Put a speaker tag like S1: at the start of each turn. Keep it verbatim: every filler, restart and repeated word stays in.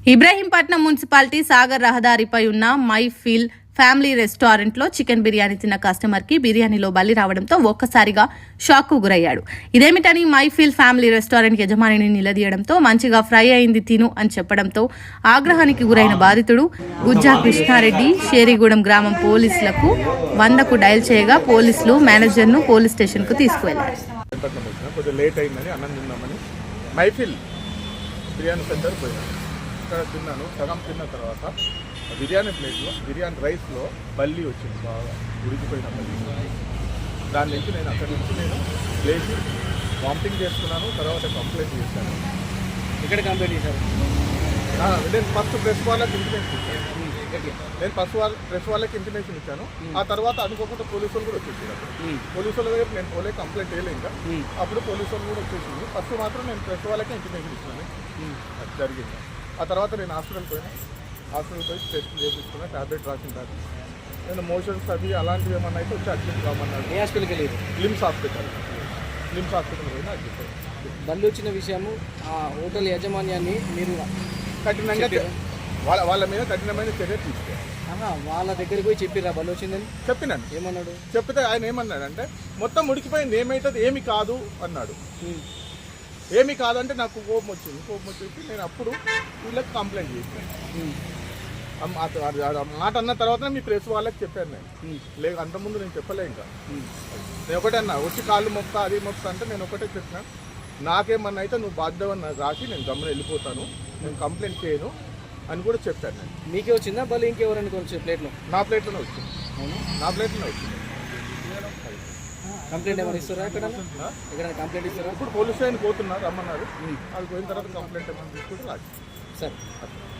S1: Ibrahimpatnam municipality Sagar రహదారిపై ఉన్న My Feel Family Restaurant లో చికెన్ బిర్యానీ తిన్న కస్టమర్ కి బిర్యానీలో బలి రావడంతో ఒక్కసారిగా షాక్ కు గురయ్యాడు. ఇదేమిటని మై ఫీల్ ఫ్యామిలీ రెస్టారెంట్ యజమానిని నిలదీయడంతో మంచిగా ఫ్రై అయింది తిను అని చెప్పడంతో ఆగ్రహానికి గురైన బాధితుడు గుజ్జా కృష్ణారెడ్డి షేరిగూడెం గ్రామం పోలీసులకు వందకు డయల్ చేయగా పోలీసులు మేనేజర్ ను పోలీస్ స్టేషన్ కు తీసుకువెళ్లారు.
S2: ఇక్కడ తిన్నాను, సగం తిన్న తర్వాత బిర్యానీ ప్లేట్లో బిర్యానీ రైస్లో బల్లి వచ్చింది, బాగా ఉడికిపోయిన బల్లి. దాని నుంచి నేను అక్కడి నుంచి నేను లేచి వామిటింగ్ చేసుకున్నాను. తర్వాత కంప్లైంట్ చేశాను.
S3: ఇక్కడ కంప్లైంట్ చేశారు?
S2: నేను ఫస్ట్ ప్రెస్ వాళ్ళకి ఇంటిమేషన్ ఇచ్చాను. నేను ఫస్ట్ వాళ్ళ ప్రెస్ వాళ్ళకి ఇంటిమేషన్ ఇచ్చాను. ఆ తర్వాత అనుకోకుండా పోలీసు వాళ్ళు కూడా వచ్చేసారు. పోలీసు వాళ్ళ దగ్గర నేను పోలే కంప్లైంట్ వేయలే. ఇంకా అప్పుడు పోలీసు వాళ్ళు కూడా వచ్చేసింది. ఫస్ట్ మాత్రం నేను ప్రెస్ వాళ్ళకే ఇంటిమేషన్ ఇచ్చాను. అది జరిగింది. ఆ తర్వాత నేను హాస్పిటల్ పోయినా. హాస్పిటల్ పోయి టెస్ట్ చేయించుకున్నా, ట్యాబ్లెట్ రాసిన తర్వాత నేను మోషన్స్ అవి అలాంటివి ఏమన్నా అయితే వచ్చి అడ్మిట్ కామన్నాడు.
S3: ఏ హాస్పిటల్కి వెళ్ళేది?
S2: లిమ్స్ హాస్పిటల్ లిమ్స్ హాస్పిటల్ పోయినా అడ్మిట్.
S3: బల్లి వచ్చిన విషయము ఆ హోటల్ యాజమాన్యాన్ని మీరు
S2: కఠినంగా వాళ్ళ వాళ్ళ మీద కఠినమైన చర్య తీసుకోవాలి.
S3: వాళ్ళ దగ్గరికి పోయి చెప్పిరా బల్లి వచ్చిందని?
S2: చెప్పినాను.
S3: ఏమన్నాడు?
S2: చెప్తే ఆయన ఏమన్నాడు అంటే మొత్తం ఉడికిపోయింది, ఏమైతుంది ఏమి కాదు అన్నాడు. ఏమి కాదంటే నాకు కోపం వచ్చింది. కోపం వచ్చేసి నేను అప్పుడు వీళ్ళకి కంప్లైంట్ చేశాను. మాట అన్న తర్వాత మీ ప్రెస్ వాళ్ళకి చెప్పాను నేను. లేదు అంతకుముందు నేను చెప్పలే. ఇంకా నేను ఒకటే అన్నా, వచ్చి కాళ్ళు మొక్క అది మొక్క అంటే నేను ఒకటే చెప్పినా, నాకేమన్నా అయితే నువ్వు బాధ్యత రాసి నేను గమ్మున వెళ్ళిపోతాను, నేను కంప్లైంట్ చేయను అని కూడా చెప్పాను నేను.
S3: మీకే వచ్చిందా బలి ఇంకెవరని కొంచెం ప్లేట్లో?
S2: నా ప్లేట్లోనే వచ్చింది. నా ప్లేట్లోనే వచ్చింది.
S3: కంప్లైంట్ ఏమైనా ఇస్తారా? ఎక్కడ ఎక్కడ కంప్లైంట్ ఇస్తారా?
S2: ఇప్పుడు పోలీస్ స్టేషన్ పోతున్నారు, రమ్మన్నారు. అది పోయిన తర్వాత కంప్లైంట్ ఏమైనా తీసుకుంటే రాదు.
S3: సరే.